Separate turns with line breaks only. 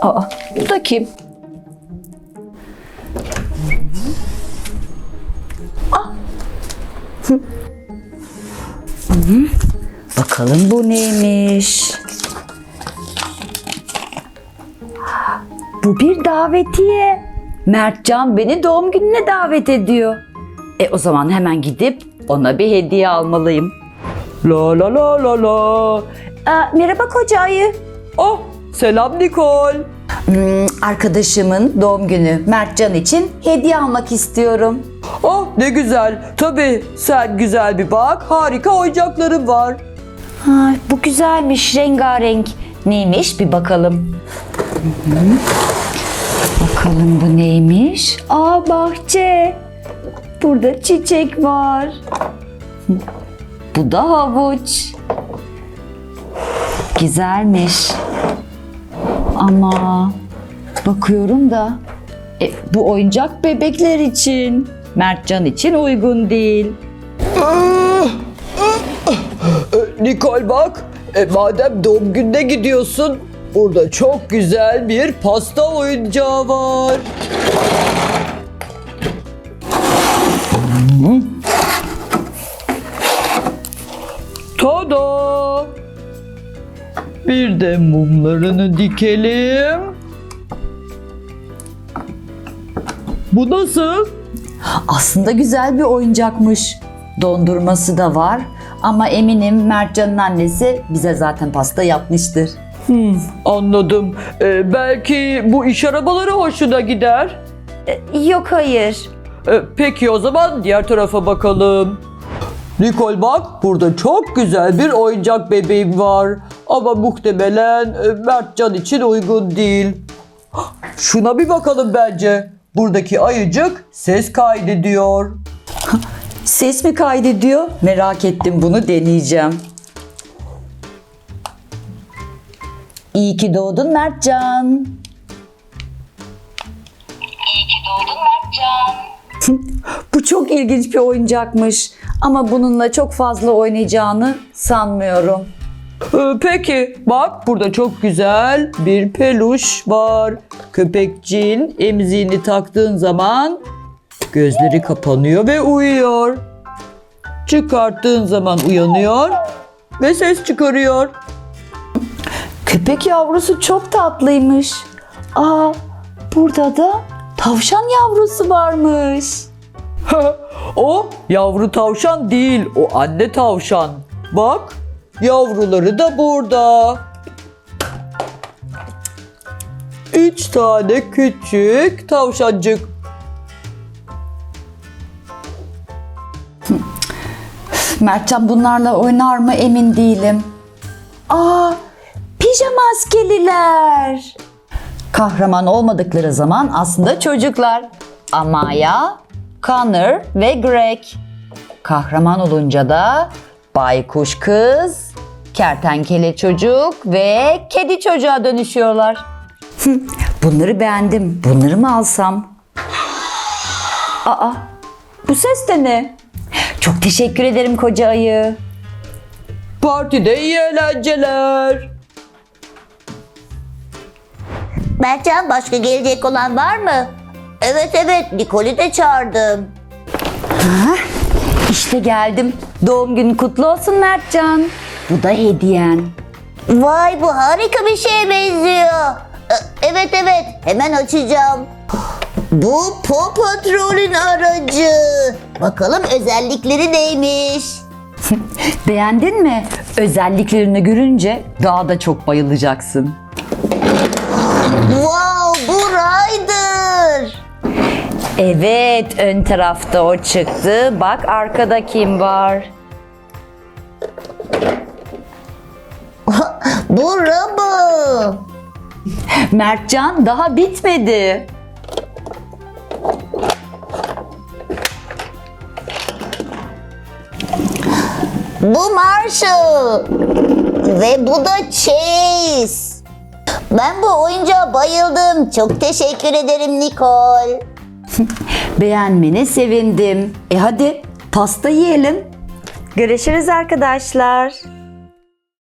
Aa, bu da kim? Bakalım bu neymiş? Bu bir davetiye. Mertcan beni doğum gününe davet ediyor. O zaman hemen gidip ona bir hediye almalıyım.
La la la la la.
Merhaba koca ayı.
Oh, selam Nikol.
Arkadaşımın doğum günü Mertcan için hediye almak istiyorum.
Oh, ne güzel. Tabii sen güzel bir bak. Harika oyuncaklarım var.
Bu güzelmiş, rengarenk. Neymiş bir bakalım. Bakalım bu neymiş? Bahçe. Burada çiçek var. Bu da havuç. Güzelmiş. Ama bakıyorum da bu oyuncak bebekler için. Mertcan için uygun değil.
Nikol bak. Madem doğum gününe gidiyorsun, burada çok güzel bir pasta oyuncağı var. Tada! Bir de mumlarını dikelim. Bu nasıl?
Aslında güzel bir oyuncakmış. Dondurması da var. Ama eminim Mertcan'ın annesi bize zaten pasta yapmıştır.
Anladım. Belki bu iş arabaları hoşuna gider.
Yok hayır.
Peki o zaman diğer tarafa bakalım. Nikol bak, burada çok güzel bir oyuncak bebeğim var. Ama muhtemelen Mertcan için uygun değil. Şuna bir bakalım bence. Buradaki ayıcık ses kaydediyor.
Ses mi kaydediyor? Merak ettim, bunu deneyeceğim. İyi ki doğdun Mertcan.
İyi ki doğdun Mertcan.
Bu çok ilginç bir oyuncakmış. Ama bununla çok fazla oynayacağını sanmıyorum.
Peki bak, burada çok güzel bir peluş var. Köpekçiğin emziğini taktığın zaman gözleri kapanıyor ve uyuyor. Çıkarttığın zaman uyanıyor ve ses çıkarıyor.
Köpek yavrusu çok tatlıymış. Burada da tavşan yavrusu varmış.
O yavru tavşan değil, o anne tavşan. Bak, yavruları da burada. 3 tane küçük tavşancık.
Mertcan bunlarla oynar mı emin değilim. Pijama askeriler. Kahraman olmadıkları zaman aslında çocuklar. Amaya, Connor ve Greg. Kahraman olunca da baykuş kız, kertenkele çocuk ve kedi çocuğa dönüşüyorlar. Bunları beğendim. Bunları mı alsam? Bu ses de ne? Çok teşekkür ederim koca ayı.
Partide iyi eğlenceler.
Mertcan, başka gelecek olan var mı? Evet, Nikol'ü de çağırdım.
İşte geldim. Doğum günün kutlu olsun Mertcan. Bu da hediyen.
Vay, bu harika bir şeye benziyor. Evet, hemen açacağım. Bu Paw Patrol'ün aracı. Bakalım özellikleri neymiş?
Beğendin mi? Özelliklerini görünce daha da çok bayılacaksın.
Wow, bu Ryder.
Evet, ön tarafta o çıktı. Bak arkada kim var?
Bu Robo.
Mertcan, daha bitmedi.
Bu Marshall. Ve bu da Chase. Ben bu oyuncağa bayıldım. Çok teşekkür ederim Nikol.
Beğenmene sevindim. Hadi pasta yiyelim. Görüşürüz arkadaşlar.